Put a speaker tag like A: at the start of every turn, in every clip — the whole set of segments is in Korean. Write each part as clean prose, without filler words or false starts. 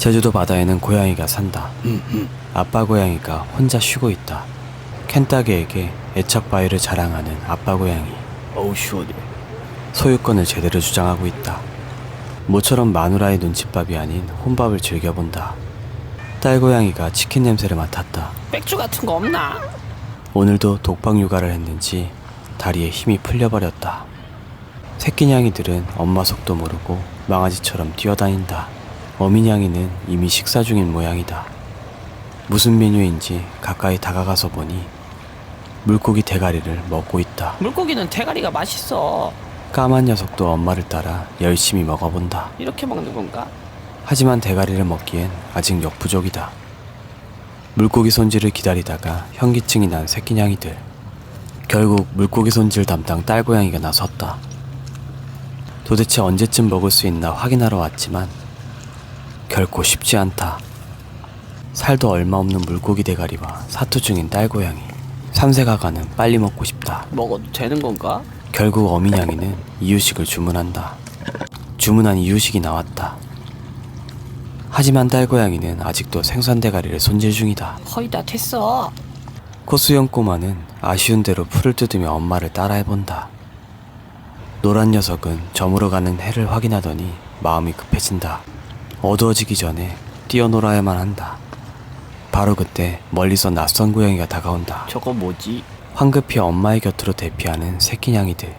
A: 제주도 바다에는 고양이가 산다. 아빠 고양이가 혼자 쉬고 있다. 켄따게에게 애착 바위를 자랑하는 아빠 고양이.
B: 어우 시원해.
A: 소유권을 제대로 주장하고 있다. 모처럼 마누라의 눈칫밥이 아닌 혼밥을 즐겨본다. 딸 고양이가 치킨 냄새를 맡았다.
B: 맥주 같은 거 없나?
A: 오늘도 독박 육아를 했는지 다리에 힘이 풀려버렸다. 새끼 냥이들은 엄마 속도 모르고 망아지처럼 뛰어다닌다. 어미 냥이는 이미 식사 중인 모양이다. 무슨 메뉴인지 가까이 다가가서 보니 물고기 대가리를 먹고 있다.
B: 물고기는 대가리가 맛있어.
A: 까만 녀석도 엄마를 따라 열심히 먹어본다.
B: 이렇게 먹는 건가?
A: 하지만 대가리를 먹기엔 아직 역부족이다. 물고기 손질을 기다리다가 현기증이 난 새끼 냥이들. 결국 물고기 손질 담당 딸 고양이가 나섰다. 도대체 언제쯤 먹을 수 있나 확인하러 왔지만 결코 쉽지 않다. 살도 얼마 없는 물고기 대가리와 사투 중인 딸 고양이. 삼세가가는 빨리 먹고 싶다.
B: 먹어도 되는 건가?
A: 결국 어미 냥이는 이유식을 주문한다. 주문한 이유식이 나왔다. 하지만 딸 고양이는 아직도 생선 대가리를 손질 중이다.
B: 거의 다 됐어.
A: 코수영 꼬마는 아쉬운 대로 풀을 뜯으며 엄마를 따라해본다. 노란 녀석은 저물어 가는 해를 확인하더니 마음이 급해진다. 어두워지기 전에 뛰어놀아야만 한다. 바로 그때 멀리서 낯선 고양이가 다가온다.
B: 저거 뭐지?
A: 황급히 엄마의 곁으로 대피하는 새끼 냥이들.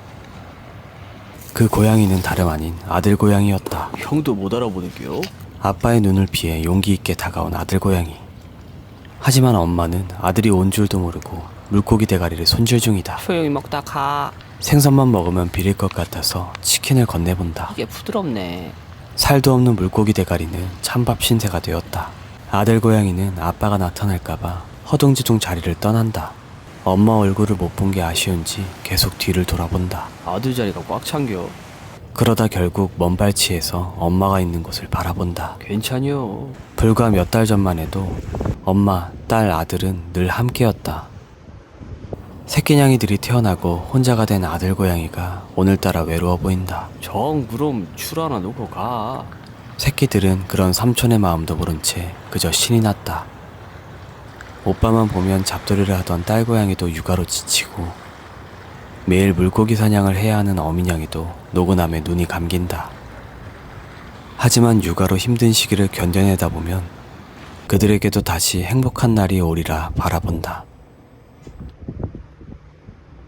A: 그 고양이는 다름 아닌 아들 고양이였다.
B: 형도 못 알아보는겨?
A: 아빠의 눈을 피해 용기 있게 다가온 아들 고양이. 하지만 엄마는 아들이 온 줄도 모르고 물고기 대가리를 손질 중이다.
B: 조용히 먹다 가.
A: 생선만 먹으면 비릴 것 같아서 치킨을 건네본다.
B: 이게 부드럽네.
A: 살도 없는 물고기 대가리는 찬밥 신세가 되었다. 아들 고양이는 아빠가 나타날까봐 허둥지둥 자리를 떠난다. 엄마 얼굴을 못 본 게 아쉬운지 계속 뒤를 돌아본다.
B: 아들 자리가 꽉 찬겨.
A: 그러다 결국 먼 발치에서 엄마가 있는 곳을 바라본다.
B: 괜찮여.
A: 불과 몇 달 전만 해도 엄마, 딸, 아들은 늘 함께였다. 새끼 냥이들이 태어나고 혼자가 된 아들 고양이가 오늘따라 외로워 보인다.
B: 정 그럼 줄 하나 놓고 가.
A: 새끼들은 그런 삼촌의 마음도 모른 채 그저 신이 났다. 오빠만 보면 잡돌이를 하던 딸 고양이도 육아로 지치고 매일 물고기 사냥을 해야 하는 어미 냥이도 노곤함에 눈이 감긴다. 하지만 육아로 힘든 시기를 견뎌내다 보면 그들에게도 다시 행복한 날이 오리라 바라본다.